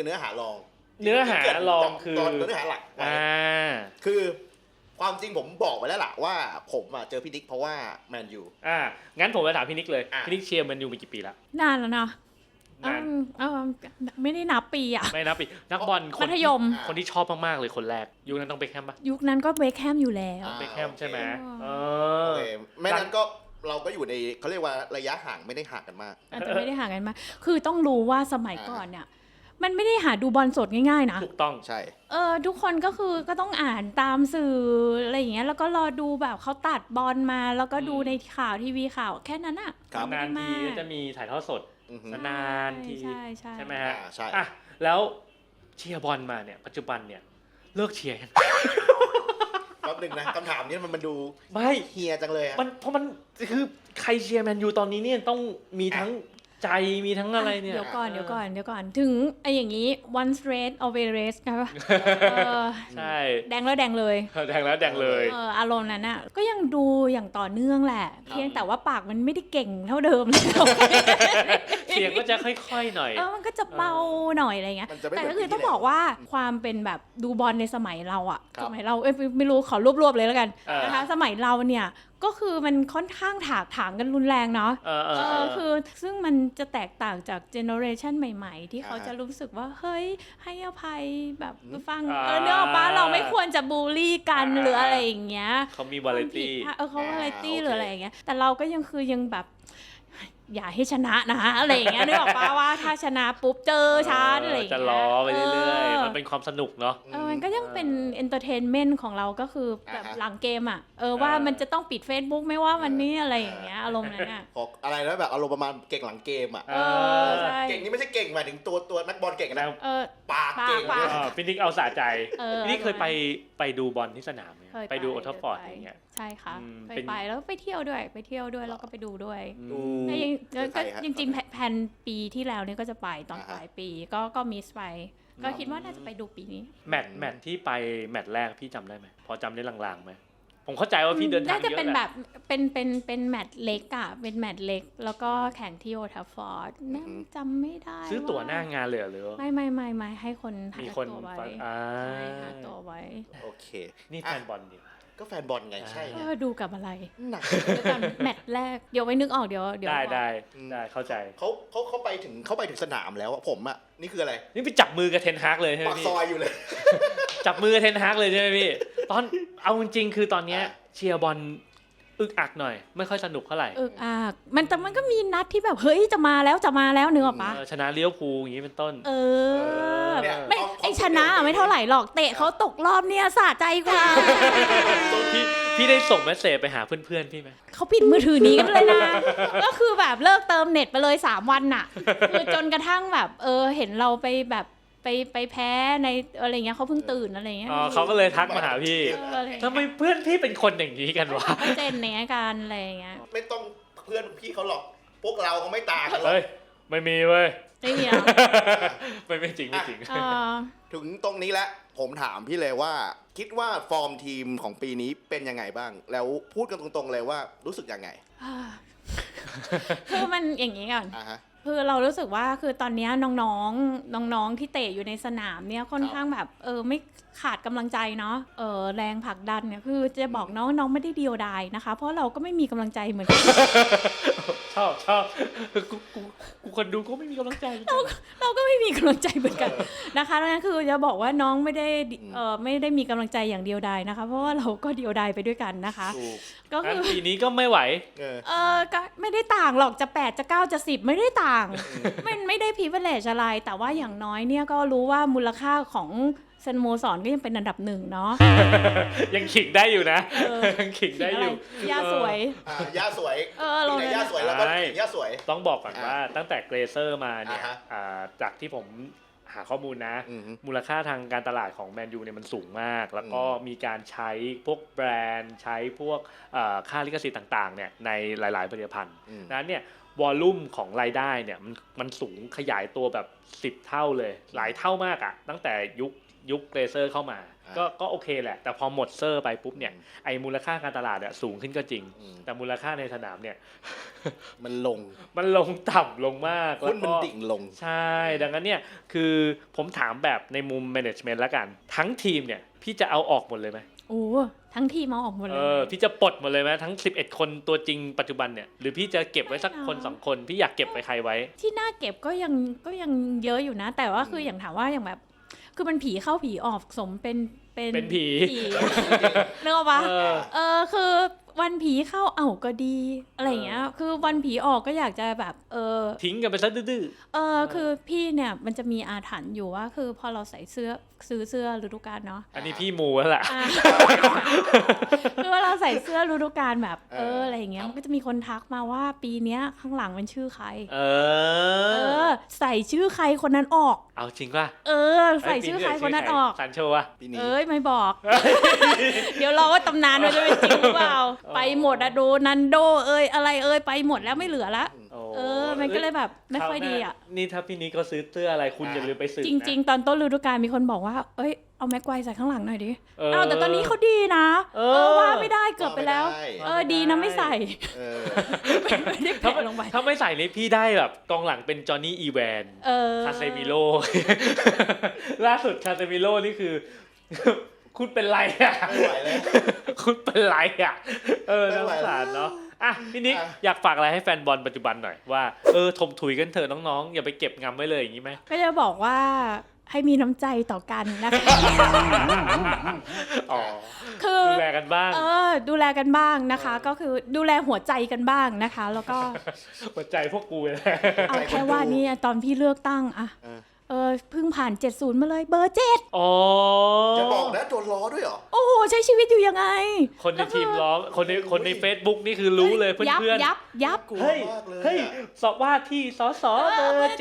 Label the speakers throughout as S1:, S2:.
S1: เนื้อหารอง
S2: เนื้อหารองคือ
S1: เนื้อหาหลักคือความจริงผมบอกไปแล้วล่ะว่าผมเจอพี่นิกเพราะว่าแมนยู
S2: งั้นผมไปถามพี่นิกเลยพี่นิกเชียร์แมนยูมากี่ปีแล้ว
S3: นานแล้วเนาะไม่ได้นับปีอ่ะ
S2: ไม่นับปีนักบอล
S3: มัธยม
S2: คนที่ชอบมากๆเลยคนแรกยุคนั้นต้องเบคแฮมปะ
S3: ยุคนั้นก็เบคแฮมอยู่แล้ว
S2: เบคแฮมใช่ไหม
S1: ไม่นั้นก็เราก็อยู่ในเขาเรียกว่าระยะห่างไม่ได้ห่างกันมาก
S3: แต่ไม่ได้ห่างกันมากคือต้องรู้ว่าสมัยก่อนเนี่ยมันไม่ได้หาดูบอลสดง่ายๆนะ
S2: ถูกต้อง
S1: ใช่
S3: ทุกคนก็คือก็ต้องอ่านตามสื่ออะไรอย่างเงี้ยแล้วก็รอดูแบบเขาตัดบอลมาแล้วก็ดูในข่าวทีวีข่าวแค่นั้นอ่ะ
S2: นานทีจะมีถ่ายทอดสดนานทีใช่ไหมฮะ
S1: ใช่
S2: แล้วเชียร์บอลมาเนี่ยปัจจุบันเนี่ยเลิกเชียร์กัน
S1: แป๊บนึงนะคำถามนี้มันดู
S2: ไม่
S1: เฮียจังเลย
S2: เพราะมันคือใครเชียร์แมนยูตอนนี้เนี่ยต้องมีทั้งใจมีทั้งอะไรเนี่ย
S3: เดี๋ยวก่อนถึงไอ้อย่างนี้ once red always red ใช่ป่ะ
S2: ใช่
S3: แดงแล้วแดงเลยอารมณ์นั้นน่ะก็ยังดูอย่างต่อเนื่องแหละเพียงแต่ว่าปากมันไม่ได้เก่งเท่าเดิม
S2: เสียงก็จะค่อยๆหน่อย
S3: มันก็จะเบาหน่อยอะไรเงี้ยแต่ก็คือต้องบอกว่าความเป็นแบบดูบอลในสมัยเราอ่ะสมัยเราไม่รู้ขอรวบๆเลยแล้วกันนะคะสมัยเราเนี่ยก็คือมันค่อนข้างถากถางกันรุนแรงเนาะคือซึ่งมันจะแตกต่างจากเจเนอเรชันใหม่ๆที่เขาจะรู้สึกว่าเฮ้ยให้อภัยแบบฟังเนื้อป้าเราไม่ควรจะบูลลี่กันหรืออะไรอย่างเงี้ย
S2: เขามีวาไรตี้
S3: เขาวาไรตี้หรืออะไรอย่างเงี้ยแต่เราก็ยังแบบอย่าให้ชนะนะอะไรอย่างเงี้ยนึกออกป่ะว่าถ้าชนะปุ๊บเจอฉันอะไรอย่างเงี้ย
S2: จะล้อไปเรื่อยๆมันเป็นความสนุกเนาะ
S3: มันก็ยังเป็นเอนเตอร์เทนเมนต์ของเราก็คือแบบหลังเกมอ่ะว่ามันจะต้องปิด Facebook ไม่ว่าวันนี้อะไรอย่างเงี้ยอารมณ์นั้นอ่ะ
S1: อะไรนะแบบอารมณ์ประมาณเก่งหลังเกมอ่ะเก่งนี่ไม่ใช่เก่งหมายถึงตัวนักบอลเก่งนะปากเก่ง
S2: พี่นิกเอาสะใจพี่นิกเคยไปดูบอลที่สนามไหมไปดูโอทัฟฟอร์ดอย่างเงี้ย
S3: ใช่ค่ะไปแล้วไปเที่ยวด้วยแล้วก็ไปดูด้วยก็จริงๆแผนปีที่แล้วเนี่ยก็จะไปตอนปลายปีก็มิสไปก็คิดว่าน่าจะไปดูปีนี้
S2: แมตช์ที่ไปแมตช์แรกพี่จำได้ไหมพอจำได้ลางๆไหมผมเข้าใจว่าพี่เดินทางเยอะ
S3: น่าจะเป็นแบบเป็นแมตช์เล็กอ่ะเป็นแมตช์เล็กแล้วก็แข่งที่โอทัฟฟอร์ดจำไม่ได้
S2: ซื้อตั๋วหน้างานเลยหรือ
S3: ไม่ให้คนหาตั๋วไว้หาตั๋วไว้
S1: โอเค
S2: นี่แฟนบอลดิ
S1: ก็แฟนบอลไงใช่
S3: ดูกับอะไร
S1: หนัก
S3: แมตช์แรกเดี๋ยวไว้นึกออกเดี๋ยว
S2: ได้เข้าใจ
S1: เขาไปถึงสนามแล้วผมอ่ะนี่คืออะไร
S2: นี่ไปจับมือกับเทนฮากเลยใช่ไหม
S1: พี่ปากซอยอยู่เลย
S2: จับมือกับเทนฮากเลยใช่ไหมพี่ตอนเอาจริงๆคือตอนนี้เชียร์บอลอึกอักหน่อยไม่ค่อยสนุกเท่าไหร่
S3: อึกอักแต่มันก็มีนัดที่แบบเฮ้ยจะมาแล้วนึกออกปะ
S2: ชนะเลี้ยวภูอย่างนี้เป็นต้น
S3: ไม่ไอชนะไม่เท่าไหร่หรอกเตะเขาตกรอบเนี่ยสะใจกว่า
S2: พี่ได้ส่งเมสเสจไปหาเพื่อนๆพี่ไหม
S3: เขาปิดมือถือนี้กันเลยนะก็คือแบบเลิกเติมเน็ตไปเลย3 วันน่ะคือจนกระทั่งแบบเห็นเราไปแบบไปแพ้ในอะไรเงี้ยเขาเพิ่งตื่นอะไรเงี้ย
S2: เขาก็เลยทักมาหาพี่ทำไมเพื่อนพี่เป็นคนอย่างนี้กันวะ
S3: เจนเนี้ยกันอะไรเงี้ย
S1: ไม่ต้องเพื่อนพี่เขาหรอกพวกเราเขาไม่ต่างกันหรอก
S2: ไม่มีเว้ย
S3: ไม่มี
S2: ไม่จริง
S1: ถึงตรงนี้แล้วผมถามพี่เลยว่าคิดว่าฟอร์มทีมของปีนี้เป็นยังไงบ้างแล้วพูดกันตรงๆเลยว่ารู้สึกยังไง
S3: คือมันอย่างนี้ก่อนคือเรารู้สึกว่าคือตอนนี้น้องที่เตะอยู่ในสนามเนี่ยค่อนข้างแบบไม่ขาดกำลังใจเนาะแรงผลักดันเนี่ยคือจะบอกน้องไม่ได้เดียวดายนะคะเพราะเราก็ไม่มีกำลังใจเหมือนกัน
S2: ชอบกูคนดูก็ไม่มีกำลังใจ
S3: เราก็ไม่มีกำลังใจเหมือนกันนะคะนั่นคือจะบอกว่าน้องไม่ได้มีกำลังใจอย่างเดียวดายนะคะเพราะว่าเราก็เดียวดายไปด้วยกันนะคะ
S2: ก็คือปีนี้ก็ไม่ไหว
S3: ก็ไม่ได้ต่างหรอกจะ8จะ9จะ10ไม่ได้ต่างไม่ได้privilegeอะไรแต่ว่าอย่างน้อยเนี่ยก็รู้ว่ามูลค่าของสโมสรก็ยังเป็นอันดับ1เนาะ
S2: ยังขิงได้อยู่นะยังขิงได้อยู่
S3: ย่าสวย
S1: เราย่าสวยแล้วก็ย่าสวย
S2: ต้องบอกก่อนว่าตั้งแต่เกรเซอร์มาเนี่ยจากที่ผมหาข้อมูลนะมูลค่าทางการตลาดของแมนยูเนี่ยมันสูงมากแล้วก็มีการใช้พวกแบรนด์ใช้พวกค่าลิขสิทธิ์ต่างๆเนี่ยในหลายๆผลิตภัณฑ์นั้นเนี่ยวอลลุ่มของรายได้เนี่ยมันสูงขยายตัวแบบ10 เท่าเลยหลายเท่ามากอ่ะตั้งแต่ยุคยุคเกรเซอร์เข้ามาก็โอเคแหละแต่พอหมดเซอร์ไปปุ๊บเนี่ยไอ้มูลค่าการตลาดเนี่ยสูงขึ้นก็จริงแต่มูลค่าในสนามเนี่ย
S1: มัน
S2: ลงต่ำลงมาก
S1: หุ้นมันดิ่งลง
S2: ใช่ดังนั้นเนี่ยคือผมถามแบบในมุมแมネจเมนต์ละกันทั้งทีมเนี่ยพี่จะเอาออกหมดเลยไหม
S3: โอ้ทั้งทีมเอาออกหมดเลย
S2: พี่จะปลดหมดเลยไหมทั้ง11คนตัวจริงปัจจุบันเนี่ยหรือพี่จะเก็บไว้สักคน2คนพี่อยากเก็บไว้ใครไว้
S3: ที่น่าเก็บก็ยังเยอะอยู่นะแต่ว่าคืออย่างถามว่าอย่างแบบคือมันผีเข้าผีออกสมเป็น
S2: ผี
S3: นึกออกปะคือวันผีเข้าก็ดีอะไรอย่างเงี้ยคือวันผีออกก็อยากจะแบบ
S2: ทิ้งกันไปซะดื้อ
S3: คือพี่เนี่ยมันจะมีอาถรรพ์อยู่ว่าคือพอเราใส่ซื้อเสื้อฤดูกาลเนาะ
S2: อันนี้พี่มูแล้วแหละ
S3: คือว่าเราใส่เสื้อฤดูกาลแบบอะไรอย่างเงี้ยมันก็จะมีคนทักมาว่าปีเนี้ยข้างหลังเป็นชื่อใครใส่ชื่อใครคนนั้นออก
S2: เอาจริงป่ะ
S3: ใส่ชื่อใครคนนั้นออก
S2: ซันโชว่ะ
S3: ไม่บอกเดี๋ยวรอว่าตำนานมันจะเป็นจริงหรือเปล่าไปหมดอะโดนันโดอะไรไปหมดแล้วไม่เหลือละมันก็เลยแบบไม่ค่อยดีอ่ะ
S2: นี่ถ้าพี่นี้ก็ซื้อเสื้ออะไรคุณอย่าลืมไปซื้อ
S3: จริงๆตอนต้นฤดูกาลมีคนบอกว่าเอาแม็กไกวร์ใส่ข้างหลังหน่อยดิแต่ตอนนี้เขาดีนะว่าไม่ได้เกือบไปแล้วดีนะไม่ใส่ไม่ได้แปะลงไป
S2: ถ้าไม่ใส่นี่พี่ได้แบบกองหลังเป็นจอห์นนี่อีแวนคาเซมิโลล่าสุดคาเซมิโลนี่คือคุณเป็นไรอ่ะ
S1: ไม่ไหวแล้ว
S2: คุณเป็นไรอ่ะน่าสงสารเนาะพี่นิกอยากฝากอะไรให้แฟนบอลปัจจุบันหน่อยว่าถมถุยกันเถอะน้องๆอย่าไปเก็บงำไว้เลยอย่างนี้ไหม
S3: ก็จะบอกว่าให้มีน้ำใจต่อกันนะคะ
S2: คือดูแลกันบ้าง
S3: ดูแลกันบ้างนะคะก็คือดูแลหัวใจกันบ้างนะคะแล้วก็
S2: หัวใจพวกกูเลย
S3: เอาแค่ว่านี่ตอนพี่เลือกตั้งเพิ่งผ่าน70มาเลยเบอร์7
S1: จะบอกนะโดนล้อด้วยเหรอ
S3: โอ้โหใช้ชีวิตอยู่ยังไง
S2: คนในทีมล้อคนใน Facebook นี่คือรู้เลยเพื่อน
S3: ยับ
S2: เฮ้ยสอบว่าที่สสเบอร์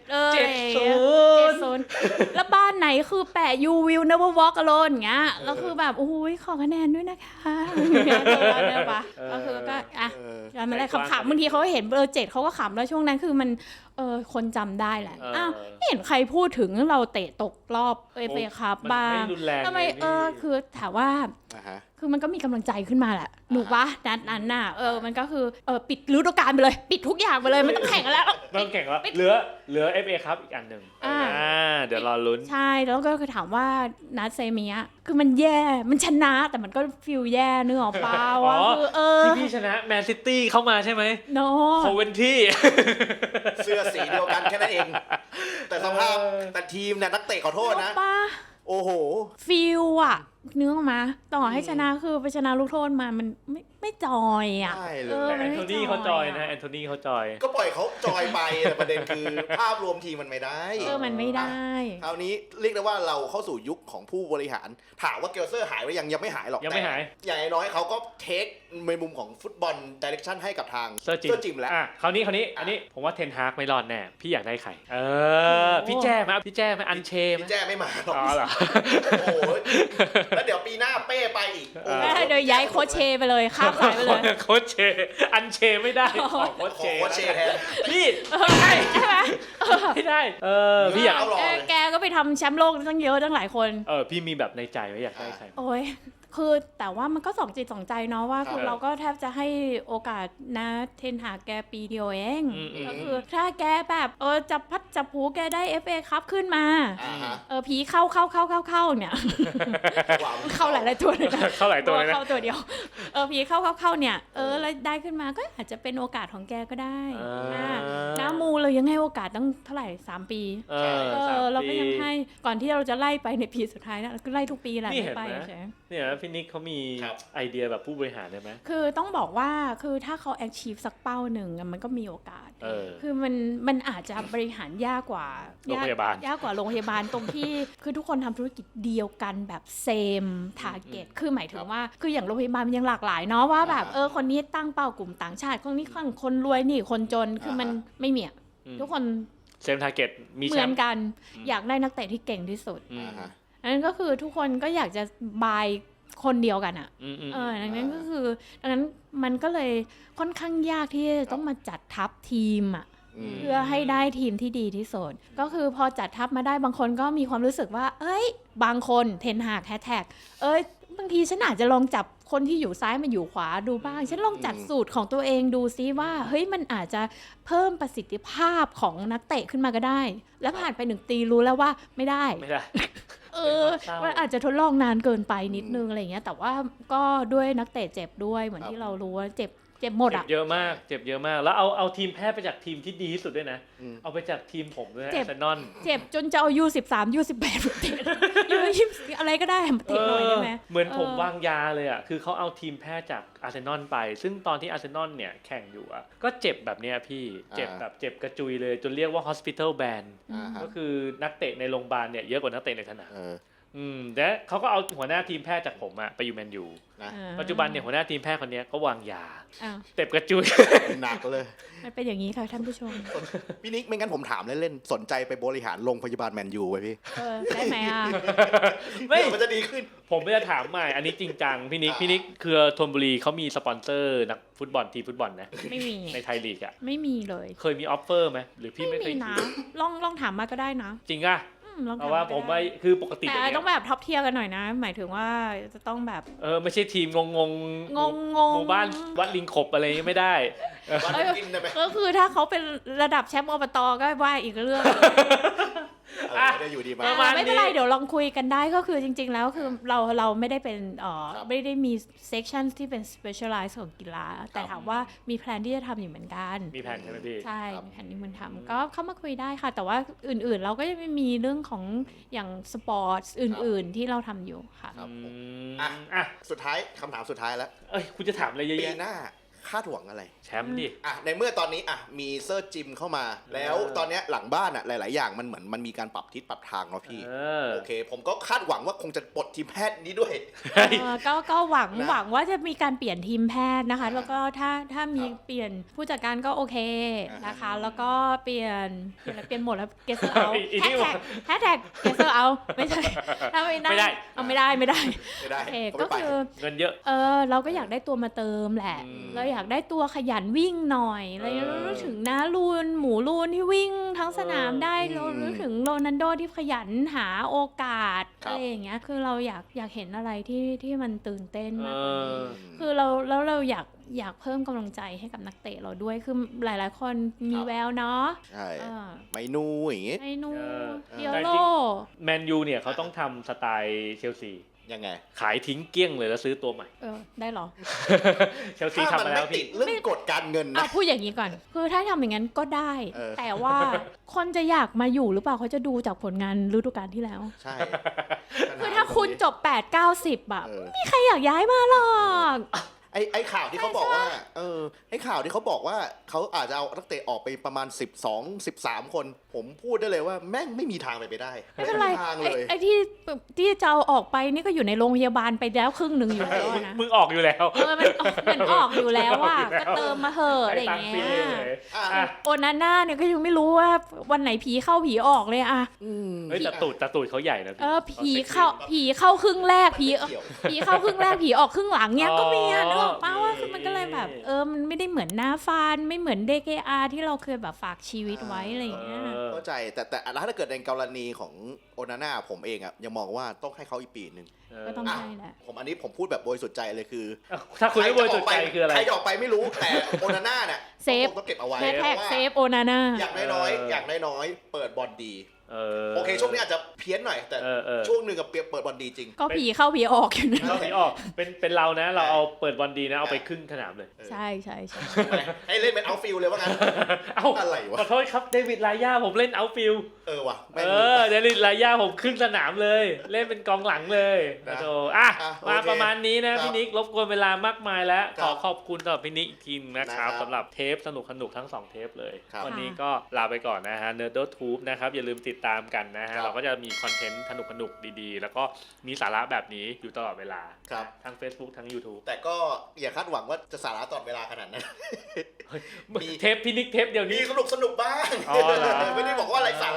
S3: 70แล้วบ้านไหนคือแปะ you will never walk alone อย่างเงี้ยแล้วคือแบบโอ้ยขอคะแนนด้วยนะคะเนี่ยปะก็คือก็ไม่ได้ขำๆบางทีเขาเห็นเบอร์7เขาก็ขำแล้วช่วงนั้นคือมันคนจำได้แหละไม่เห็นใครพูดถึงเราเตะตกรอบFA Cupบ้างทำไมคือถามว่าคือมันก็มีกำลังใจขึ้นมาแหละหนูปะนั้นน่ะมันก็คือปิดฤดูกาลไปเลยปิดทุกอย่างไปเลยไม่ต้องแข่งแล้ว
S2: ไม่ต้องแข่งแล้วเหลือ FA Cup อีกอันนึงเดี๋ยวรอลุ้น
S3: ใช่แล้วก็คือถามว่านัดเซมิอะคือมันแย่มันชนะแต่มันก็ฟีลแย่นึกออกป่าวว่า
S2: คือที่พี่ชนะแมนซิตี้เข้ามาใช่ไหม
S3: โน
S2: โคเวนที่
S1: เสื้อสีเดียวกันแค่นั้นเองแต่สภาพแต่ทีมเนี่ยนักเตะขอโทษนะโอ้โห
S3: ฟีลอะเนื้อมาต่อให้ชนะคือไปชนะลูกโทษมามันไม่จอยอ่ะ
S2: แอนโทนีเขาจอยนะแอนโทนีเขาจอย
S1: ก็ปล่อยเขาจอยไปแต่ประเด็นคือภาพรวมทีมมันไม่ได้
S3: มันไม่ได้
S1: คราวนี้เรียกได้ว่าเราเข้าสู่ยุคของผู้บริหารถามว่าเกลเซอร์หายไปยังไม่หายหรอก
S2: ยังไม่หาย
S1: อย่างน้อยเขาก็เทคในมุมของฟุตบอลดิเรกชันให้กับทาง
S2: เซอร์จิม
S1: แล้ว
S2: คราวนี้อันนี้ผมว่าเทนฮากไม่รอดแน่พี่อยากได้ใครพี่แจ้ไหมอันเชม
S1: พี่แจ้ไม่มาหรอก
S2: เหรอ
S1: โอ้ยแล้วเดี๋ยวปีหน้าเป้ไปอีก
S3: โดยย้ายโค้ชเชไปเลยข้ามสายไปเลย
S2: โค้ชเชอันเชไม่ได้โค้ช
S1: เชแทน
S2: นี่ใช่ไหมไม่ได้พี่อยาก
S3: แกก็ไปทำแชมป์โลกตั้งเยอะตั้งหลายคน
S2: พี่มีแบบในใจไว้อยากได้ใคร
S3: โอ้ยคือแต่ว่ามันก็สองจิตสองใจเนาะว่าคือเราก็แทบจะให้โอกาสนะเทนหาแกปีเดียวเองก็คือถ้าแกแบบจับพัดจับผูแกได้ FA คัพขึ้นมาผีเข้าเนี่ยเข้าหลายตัวเลยนะ
S2: เข้าหลายตัวเลยนะ
S3: เข้าตัวเดียวผีเข้าเนี่ยแล้วได้ขึ้นมาก็อาจจะเป็นโอกาสของแกก็ได้น้ามูเรายังให้โอกาสตั้งเท่าไหร่3 ปีเราก็ยังให้ก่อนที่เราจะไล่ไปในปีสุดท้ายนะก็ไล่ทุกปีแหละไปใช่
S2: เนี่ยพี่นิกเขามีไอเดียแบบผู้บริหารได้ไหม
S3: คือต้องบอกว่าคือถ้าเขา achieve สักเป้าหนึ่งมันก็มีโอกาสคือมันอาจจะบริหารยากกว่า
S2: โรงพยาบาล
S3: ยากกว่าโรงพยาบาลตรงที่คือทุกคนทำธุรกิจเดียวกันแบบ same target คือหมายถึงว่าคืออย่างโรงพยาบาลมันยังหลากหลายเนาะว่าแบบคนนี้ตั้งเป้ากลุ่มต่างชาติคนนี้คนรวยนี่คนจนคือมันไม่มีทุกคน
S2: same target มี
S3: เหมือนกันอยากได้นักเตะที่เก่งที่สุดนั่นก็คือทุกคนก็อยากจะบายคนเดียวกันอ่ะดังนั้นก็คือดังนั้นมันก็เลยค่อนข้างยากที่จะต้องมาจัดทัพทีมอ่ะเพื่อให้ได้ทีมที่ดีที่สุดก็คือพอจัดทัพมาได้บางคนก็มีความรู้สึกว่าเอ้ยบางคนเทนหากแฮชแท็กบางทีฉันอาจจะลองจับคนที่อยู่ซ้ายมาอยู่ขวาดูบ้างฉันลองจัดสูตรของตัวเองดูซิว่าเฮ้ยมันอาจจะเพิ่มประสิทธิภาพของนักเตะขึ้นมาก็ได้แล้วผ่านไป1 ปีรู้แล้วว่าไม่ได้ มันอาจจะทดลองนานเกินไปนิดนึงอะไรเงี้ยแต่ว่าก็ด้วยนักเตะเจ็บด้วยเหมือนที่เรารู้ว่าเจ็บหมดอ่ะ
S2: เจ็บเยอะมากแล้วเอาทีมแพ้ไปจากทีมที่ดีที่สุดด้วยนะเอาไปจากทีมผมด้วยอาร์เซนอล
S3: เจ็บจนจะเอาU13 U18 มาเตะU20อะไรก็ได้มาเตะหน่อยได้ไหม
S2: เหมือนผมวางยาเลยอ่ะคือเขาเอาทีมแพ้จากอาร์เซนอลไปซึ่งตอนที่อาร์เซนอลเนี่ยแข่งอยู่อ่ะก็เจ็บแบบเนี้ยพี่เจ็บแบบเจ็บกระจุยเลยจนเรียกว่า hospital ban ก็คือนักเตะในโรงพยาบาลเนี่ยเยอะกว่านักเตะในสนามแต่เขาก็เอาหัวหน้าทีมแพทย์จากผมอะไปอยู่แมนยูปัจจุบันเนี่ยหัวหน้าทีมแพทย์คนนี้ก็วางยาเจ็บกระจุย
S1: หนักเลย
S3: มันเป็นอย่างนี้ค่ะท่านผู้ชม
S1: พี่นิกไม่งั้นผมถามเล่นๆสนใจไปบริหารโรงพยาบาลแมนยูไว้พี่
S3: ได้ไหมอ่ะ
S1: ไม่มันจะดีขึ้น
S2: ผมไม่จะถามใหม่อันนี้จริงจังพี่นิกคือธนบุรีเขามีสปอนเซอร์นักฟุตบอลทีมฟุตบอลนะ
S3: ไม่มี
S2: ในไทยลีกอะ
S3: ไม่มีเลย
S2: เคยมีออฟเฟอร์ไหมหรือพี่ไม่เคย
S3: นะลองถามมาก็ได้นะ
S2: จริงอะเพราะว่าผมว่าคือปกติ
S3: แต่ต้องแบบท็อปเทียร์กันหน่อยนะหมายถึงว่าจะต้องแบบ
S2: ไม่ใช่ทีมงงหมู่บ้านวัดลิงขบอะไรไม่ได้
S3: ก็คือถ้าเขาเป็นระดับแชมป์อบตก็ว่าอีกเรื่อง
S1: ได้อยู่ดีมา
S3: ไม่เป็นไรเดี๋ยวลองคุยกันได้ก็คือจริงๆแล้วคือเราไม่ได้เป็นไม่ได้มีเซกชันที่เป็น specialize ของกีฬาแต่ถามว่ามีแพลนที่จะทำอยู่เหมือนกัน
S2: มีแผนใช่ไหมพี่
S3: ใช่มีแผนที่มันทำก็เข้ามาคุยได้ค่ะแต่ว่าอื่นๆเราก็จะไม่มีเรื่องของอย่างสปอร์ตอื่นๆที่เราทำอยู่ค่ะ
S1: สุดท้ายคำถามสุดท้ายแล้ว
S2: คุณจะถามอะไรเยอะ
S1: ๆปีหน้าคาดหวังอะไร
S2: แชมป์ดิ
S1: ในเมื่อตอนนี้มีเซอร์จิมเข้ามาแล้วตอนนี้หลังบ้านหลายๆอย่างมันเหมือนมันมีการปรับทิศปรับทางเนาะพี่โอเคผมก็คาดหวังว่าคงจะปลดทีมแพทย์นี้ด้วย
S3: ก็หวังว่าจะมีการเปลี่ยนทีมแพทย์นะคะแล้วก็ถ้ามีเปลี่ยนผู้จัดการก็โอเคนะคะแล้วก็เปลี่ยนหมดแล้วเกสเซอร์เอาแฮชแท็กเกสเซอร์เอาไม่ใช่ถ้าไม่ได้ไม่ได้โอเคก็คือ
S2: เงินเยอะ
S3: เราก็อยากได้ตัวมาเติมแหละเราอยากได้ตัวขยันวิ่งหน่อยเรารู้ถึงนะหมูลูนที่วิ่งทั้งสนามได้เรารู้ถึงโรนัลโดที่ขยันหาโอกาสอะไรอย่างเงี้ยคือเราอยากเห็นอะไรที่มันตื่นเต้นมากกว่านี้คือเราอยากเพิ่มกำลังใจให้กับนักเตะเราด้วยคือหลายๆคนมีแววเนาะ
S1: ใช่ไมนูอย่างงี้
S3: ไมนูเดียโล
S2: แมนยูเนี่ยเขาต้องทำสไตล์เชลซี
S1: ยังไง
S2: ขายทิ้งเกลี้ยงเลยแล้วซื้อตัวใหม่
S3: ได้หรอ
S2: เชลซีทำมาแล้วพี่
S1: เรื่องกฎการเงินนะ
S3: พูดอย่างนี้ก่อนคือถ้าทำอย่างนั้นก็ได้แต่ว่าคนจะอยากมาอยู่หรือเปล่าเขาจะดูจากผลงานฤดูกาลที่แล้ว
S1: ใช่
S3: คือถ้าคุณจบ8-90อะไม่มีใครอยากย้ายมาหรอก
S1: ไอ้ข่าวที่เขาบอกว่าไอ้ข่าวที่เขาบอกว่าเขาอาจจะเอานักเตะออกไปประมาณ12-13 คนผมพูดได้เลยว่าแม่งไม่มีทางไปได้
S3: ไม่เป็นไรไอ้ที่จะเอาออกไปนี่ก็อยู่ในโรงพยาบาลไปแล้วครึ่งนึงอยู่แล้วนะ
S2: มึงออกอยู่แล้ว
S3: มันออกอยู่แล้วว่าก็เติมมาเหอะอะไรอย่างเงี้ยโอนาน่าเนี่ยก็ยังไม่รู้ว่าวันไหนผีเข้าผีออกเลยอะ
S2: แต่ตูดเขาใหญ่นะ
S3: ผีเข้าครึ่งแรกผีเข้าครึ่งแรกผีออกครึ่งหลังเนี่ยก็มีอะป้าว่าคือมันก็เลยแบบมันไม่ได้เหมือนหน้าฟานไม่เหมือน DKR ที่เราเคยแบบฝากชีวิตไว้อะไรอย่างเงี้ย
S1: เข้าใจแต่ถ้าเกิดในกรณีของโอนาน่าผมเองอ่ะยังมองว่าต้องให้เขาอีกปีนึง
S3: ก็ต้องให้แหละ
S1: อันนี้ผมพูดแบบบริสุทธิ์ใจเลยคือ
S2: ถ้าคุณไม่บริสุทธิ์ใจคืออะไร
S1: ใครออกไปไม่รู้แต่โอนาน่าเนี่ย
S3: เซฟ
S1: ต้องเก็บเอาไว้
S3: แท็กเซฟโอนาน่า
S1: อย่างน้อยเปิดบอลดีโอเคช่วงนี้อาจจะเพี้ยนหน่อยแต่ช่วงนึงกับเปิดบอลดีจริง
S3: ก็ผีเข้าผีออกอยู่นะ
S2: ผีออกเป็นเรานะเราเอาเปิดบอลดีนะเอาไปครึ่งสนามเลย
S3: ใช่
S1: ให้เล่นเป็นเอาฟิลเลยว่างั้นอะไรวะ
S2: ขอโทษครับเดวิดไลย่าผมเล่นเอาฟิล
S1: ว่ะ
S2: เดวิดไลย่าผมครึ่งสนามเลยเล่นเป็นกองหลังเลยนะโธ่มาประมาณนี้นะพี่นิกรบกวนเวลามากมายแล้วขอขอบคุณสำหรับพี่นิกอีกทีนะครับสำหรับเทปสนุกทั้ง2เทปเลยวันนี้ก็ลาไปก่อนนะฮะ Nerdotube นะครับอย่าลืมติดตามกันนะฮะเราก็จะมีคอนเทนต์สนุกดีๆแล้วก็มีสาระแบบนี้อยู่ตลอดเวลาทั้ง Facebook ทั้ง YouTube
S1: แต่ก็อย่าคาดหวังว่าจะสาระตลอดเวลาขนาดนั้น
S2: มีเทปพินิกเทปเดี๋ยวนี้
S1: สนุกบ้างไม่ได้บอกว่าอะไรสาระ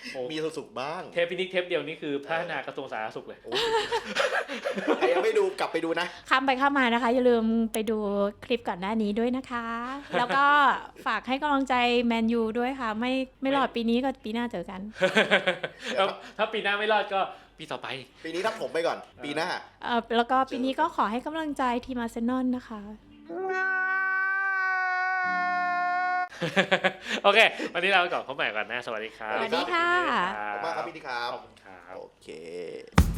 S1: มีสุขบ้าง
S2: เทปพินิกเทปเดียวนี่คือพัฒนากระทรวงสาธารณสุขเลย
S1: ใครยังไม่ดูกลับไปดูนะ
S3: ข้ามไปข้ามมานะคะอย่าลืมไปดูคลิปก่อนหน้านี้ด้วยนะคะ แล้วก็ฝากให้กำลังใจแมนยูด้วยค่ะไม่รอดปีนี้ก็ปีหน้าเจอกัน
S2: ถ้าปีหน้าไม่รอดก็ปีต่อไป
S1: ปีนี้ทับผมไปก่อน ปีหน้า
S3: แล้วก็ปีนี้ก็ขอให้กำลังใจทีมอาร์เซนอลนะคะ
S2: โอเค วันนี้เราก่อนพบใหม่ก่อนนะสวัสดีครับ
S3: สวัสดีค่ะ
S1: ขอบคุณมากครับพี่นิครับ
S2: ขอบคุณครับ
S1: โอเค